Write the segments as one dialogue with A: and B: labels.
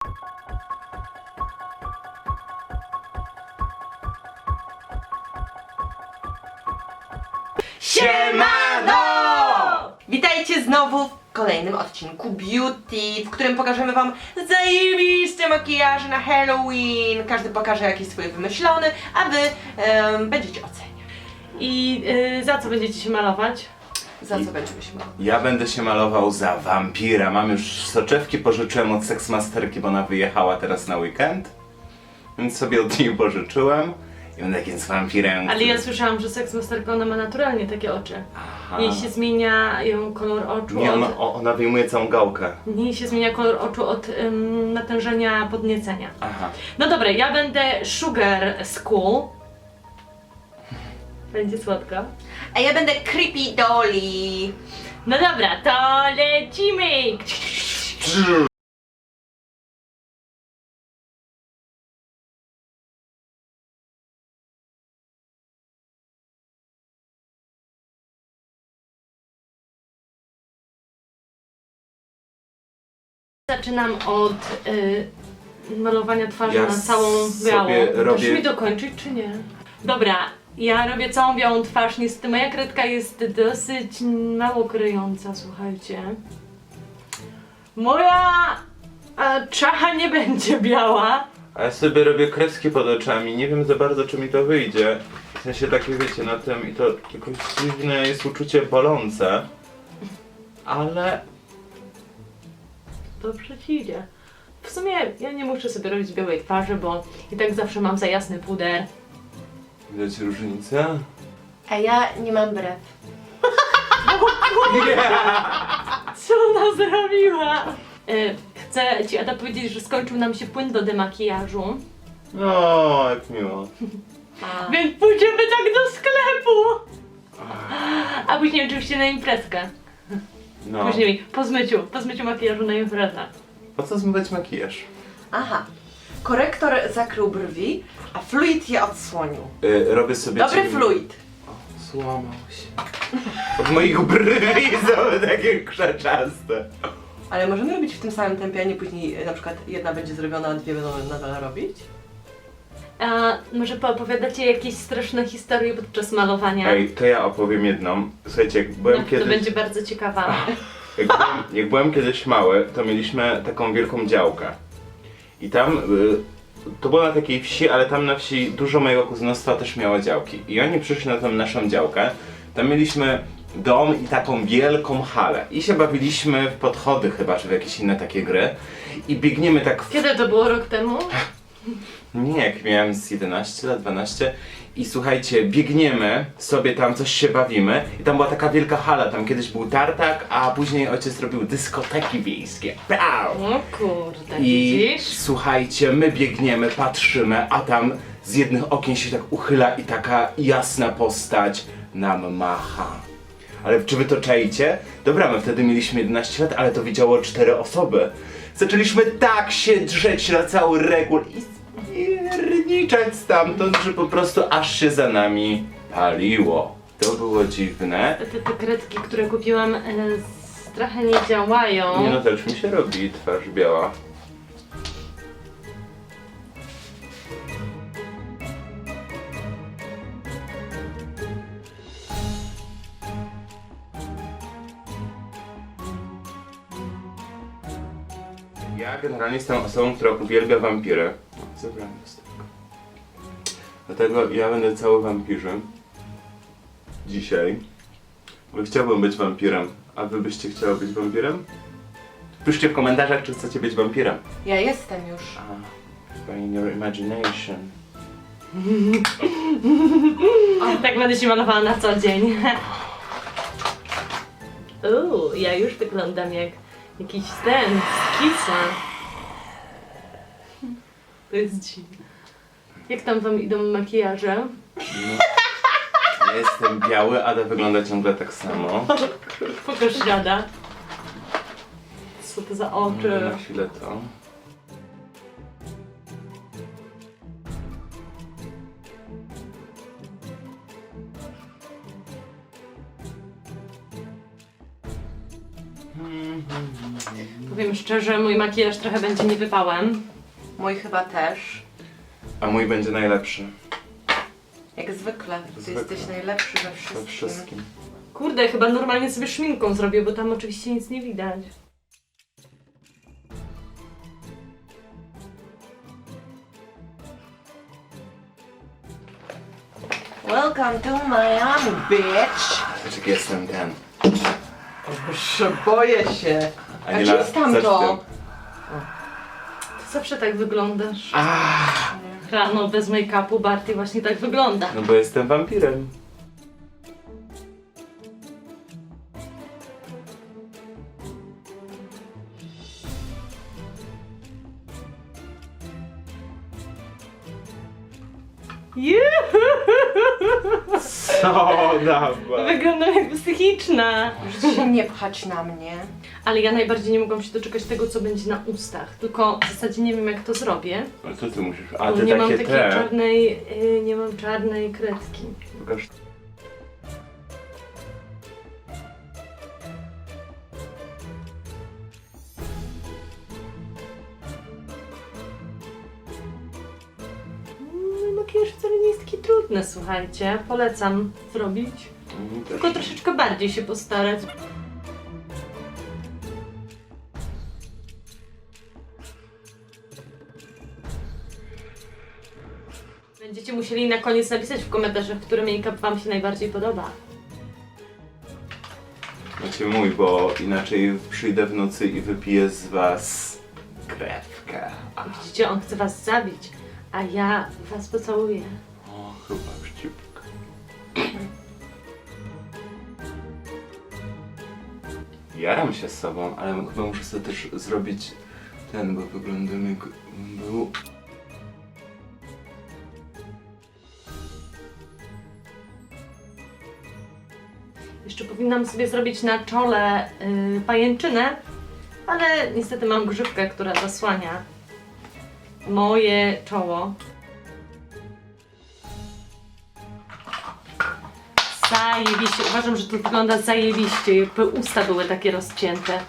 A: Siemano! Witajcie znowu w kolejnym odcinku Beauty, w którym pokażemy wam zajebiste makijaże na Halloween. Każdy pokaże jakiś swój wymyślony, a wy będziecie oceniać.
B: I za co będziecie się malować?
A: Za co będziemy się malować?
C: Ja będę się malował za wampira. Mam już soczewki, pożyczyłem od seksmasterki, bo ona wyjechała teraz na weekend. Więc sobie od niej pożyczyłem. I będę takim z wampirem.
B: Ale ja słyszałam, że seksmasterka ona ma naturalnie takie oczy. Jej się zmienia kolor oczu
C: Nie,
B: od...
C: ona wyjmuje całą gałkę.
B: Jej się zmienia kolor oczu od natężenia podniecenia.
C: Aha.
B: No dobra, ja będę Sugar School. Będzie słodko.
A: A ja będę Creepy Dolly.
B: No dobra, to lecimy! Zaczynam od malowania twarzy
C: Ja
B: na całą
C: sobie
B: białą.
C: robię-
B: Chcesz mi dokończyć, czy nie? Dobra, ja robię całą białą twarz. Niestety moja kredka jest dosyć mało kryjąca, słuchajcie. Moja czacha nie będzie biała.
C: A ja sobie robię kreski pod oczami. Nie wiem za bardzo, czy mi to wyjdzie. W sensie takie, wiecie, na tym i to jakoś dziwne jest uczucie bolące. Ale...
B: Dobrze ci idzie. W sumie ja nie muszę sobie robić białej twarzy, bo i tak zawsze mam za jasny puder.
C: Widać różnicę?
A: A ja nie mam brew.
B: Co ona zrobiła? Chcę ci, Ada, powiedzieć, że skończył nam się płyn do demakijażu.
C: No, jak miło.
B: Więc pójdziemy tak do sklepu! A później oczywiście na imprezkę.
C: No.
B: Później po zmyciu makijażu na imprezę.
C: Po co zmywać makijaż?
A: Aha. Korektor zakrył brwi, a fluid je odsłonił.
C: Robię sobie...
A: Dobry
C: cień-
A: fluid.
C: Złamał się. Od moich brwi są takie krzeczaste.
A: Ale możemy robić w tym samym tempie, a nie później na przykład jedna będzie zrobiona, a dwie będą nadal robić?
B: A może poopowiadacie jakieś straszne historie podczas malowania?
C: Ej, to ja opowiem jedną. Słuchajcie, jak byłem
B: No,
C: kiedyś...
B: to będzie bardzo ciekawa.
C: Jak byłem kiedyś mały, to mieliśmy taką wielką działkę. I tam, to było na takiej wsi, ale tam na wsi dużo mojego kuzynostwa też miało działki. I oni przyszli na tą naszą działkę. Tam mieliśmy dom i taką wielką halę. I się bawiliśmy w podchody chyba, czy w jakieś inne takie gry. I biegniemy tak w...
B: Kiedy to było? Rok temu?
C: Nie, jak miałem z 11 lat, 12 i słuchajcie, biegniemy sobie tam, coś się bawimy i tam była taka wielka hala, tam kiedyś był tartak, a później ojciec robił dyskoteki wiejskie. Pow!
B: O kurde,
C: I
B: widzisz?
C: słuchajcie, my biegniemy, patrzymy, a tam z jednych okien się tak uchyla i taka jasna postać nam macha. Ale czy wy to czaicie? Dobra, my wtedy mieliśmy 11 lat, ale to widziało 4 osoby. Zaczęliśmy tak się drzeć na cały regul i spierniczać stamtąd, że po prostu aż się za nami paliło. To było dziwne.
B: Te kredki, które kupiłam, trochę nie działają.
C: Nie no, też mi się robi twarz biała. Ja generalnie jestem osobą, która uwielbia wampiry. O, zebrałem lusterko. Dlatego ja będę cały wampirzem. Dzisiaj. Bo chciałbym być wampirem. A wy byście chciały być wampirem? Piszcie w komentarzach, czy chcecie być wampirem.
A: Ja jestem już.
C: Chyba in your imagination.
B: Tak będę się malowała na co dzień. Ja już wyglądam jak jakiś ten z Kisa. To jest dziwne. Jak tam wam idą makijaże?
C: Ja jestem biały, Ada wygląda ciągle tak samo.
B: Pokaż dziada. Co to za oczy?
C: Na chwilę to.
B: Powiem szczerze, mój makijaż trochę będzie niewypałem.
A: Mój chyba też.
C: A mój będzie najlepszy.
A: Jak zwykle. Ty
C: Zwykle.
A: jesteś najlepszy we
C: We
A: wszystkim.
C: wszystkim.
B: Kurde, chyba normalnie sobie szminką zrobię, bo tam oczywiście nic nie widać.
A: Welcome to Miami, bitch!
C: Patrz, jestem ten.
A: Boże, boję się. A
C: Aniela,
A: gdzie jest tamto?
C: zacznę.
B: Ty zawsze tak wyglądasz. Rano bez make-upu Barty właśnie tak wygląda.
C: No bo jestem wampirem. Co dawa?
B: Wyglądam jak psychiczna.
A: Możecie się nie pchać na mnie.
B: Ale ja najbardziej nie mogłam się doczekać tego, co będzie na ustach. Tylko w zasadzie nie wiem, jak to zrobię.
C: Ale co ty musisz? A
B: Bo
C: ty
B: nie mam
C: takie
B: takiej
C: te.
B: czarnej, nie mam czarnej kredki.
C: Pokaż.
B: Makijaż wcale nie jest taki trudny, słuchajcie. Polecam zrobić. Tylko troszeczkę bardziej się postarać. Będziecie musieli na koniec napisać w komentarzach, który make-up wam się najbardziej podoba.
C: Macie mój, bo inaczej przyjdę w nocy i wypiję z was krewkę.
B: Widzicie, on chce was zabić, a ja was pocałuję.
C: O, chyba wściupka. Jaram się z sobą, ale chyba muszę sobie też zrobić ten, bo wyglądam jak był.
B: Jeszcze powinnam sobie zrobić na czole pajęczynę, ale niestety mam grzywkę, która zasłania moje czoło. Zajebiście. Uważam, że to wygląda zajebiście, jakby usta były takie rozcięte.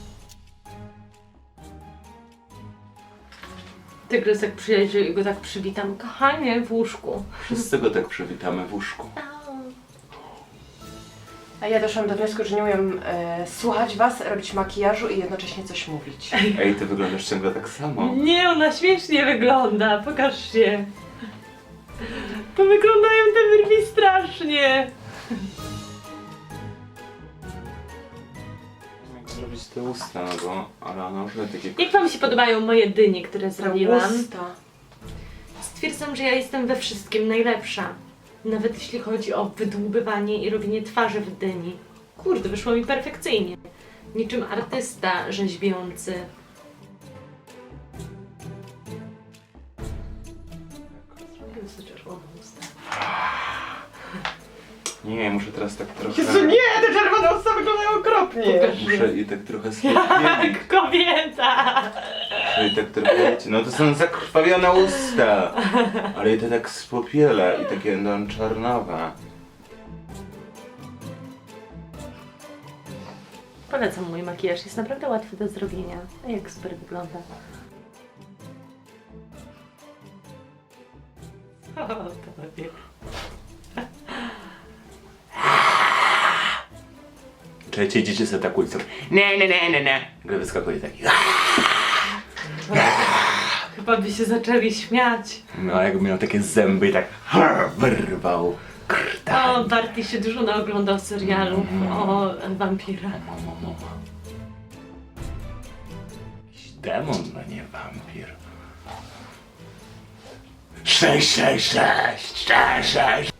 B: Tygrys jak przyjedzie i go tak przywitam. Kochanie, w łóżku.
C: Wszyscy go tak przywitamy w łóżku.
A: A ja doszłam do wniosku, że nie umiem słuchać was, robić makijażu i jednocześnie coś mówić.
C: Ej, ty wyglądasz ciągle tak samo.
B: Nie, ona śmiesznie wygląda. Pokaż się. To wyglądają te wyrwi strasznie.
C: Jak zrobić te usta, no bo, ale ona już ma takie...
B: Jak wam się podobają moje dynie, które zrobiłam?
A: Usta.
B: Stwierdzam, że ja jestem we wszystkim najlepsza. Nawet jeśli chodzi o wydłubywanie i robienie twarzy w dyni. Kurde, wyszło mi perfekcyjnie. Niczym artysta rzeźbiący.
C: Nie, muszę teraz tak trochę...
A: Jezu, nie! Te czerwone usta wyglądają okropnie!
B: Pokaż.
C: Muszę i tak trochę spopielić.
B: Jak kobieta!
C: Muszę i tak trochę... No to są zakrwawione usta. Ale i to tak spopiele i takie no, czarnowe.
B: Polecam mój makijaż, jest naprawdę łatwy do zrobienia. A jak super wygląda. O, to lepiej.
C: Czekajcie, idziecie sobie tak ulicą. Nie. Gdy wyskakuje taki.
B: Chyba by się zaczęli śmiać.
C: No, jakby miał takie zęby i tak wyrwał krtań.
B: O, Barty się dużo naoglądał serialów o wampirach.
C: Jakiś demon, no nie wampir. 666, 66.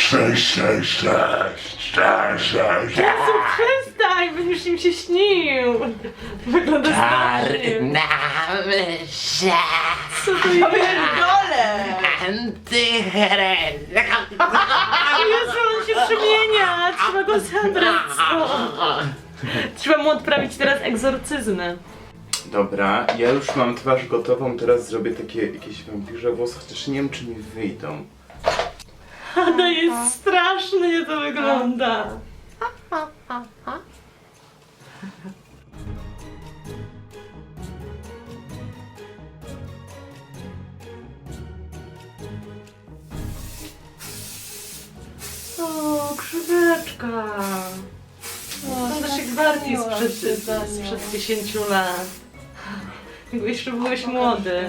C: 666, 666.
B: Jezu, przestań, będziesz im się śnił. Wygląda strasznie.
C: Myśla.
B: Co to jest?
A: Pierdolę!
C: Antychryst.
B: Jezu, on się przemienia. Trzeba go zabrać stąd. Trzeba mu odprawić teraz egzorcyzmy.
C: Dobra, ja już mam twarz gotową, teraz zrobię takie jakieś wampirze włosy, chociaż nie wiem czy mi wyjdą.
B: To jest strasznie to wygląda. O, krzyweczka. Wyglądasz jak Barty sprzed 10 lat. Jakby jeszcze byłeś młody.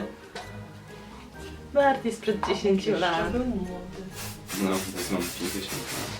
B: Barty sprzed 10 lat.
C: No, teraz mam 50 lat.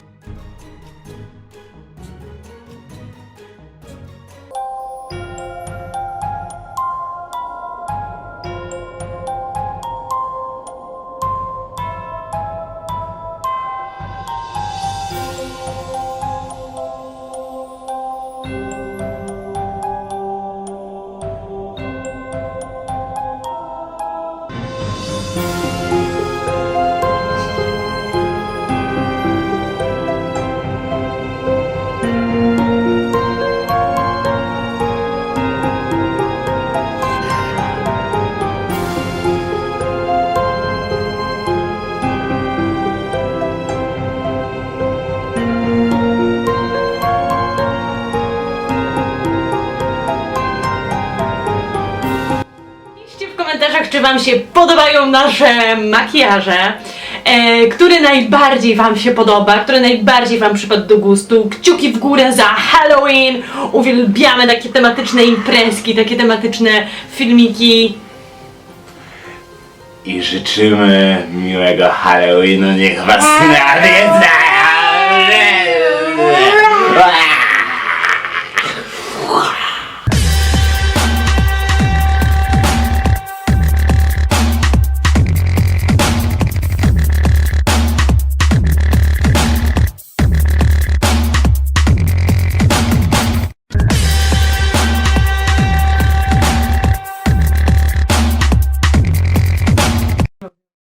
B: Piszcie w komentarzach, czy wam się podobają nasze makijaże, który najbardziej wam się podoba, który najbardziej wam przypadł do gustu. Kciuki w górę za Halloween! Uwielbiamy takie tematyczne imprezki, takie tematyczne filmiki.
C: I życzymy miłego Halloweenu, niech was nawiedza!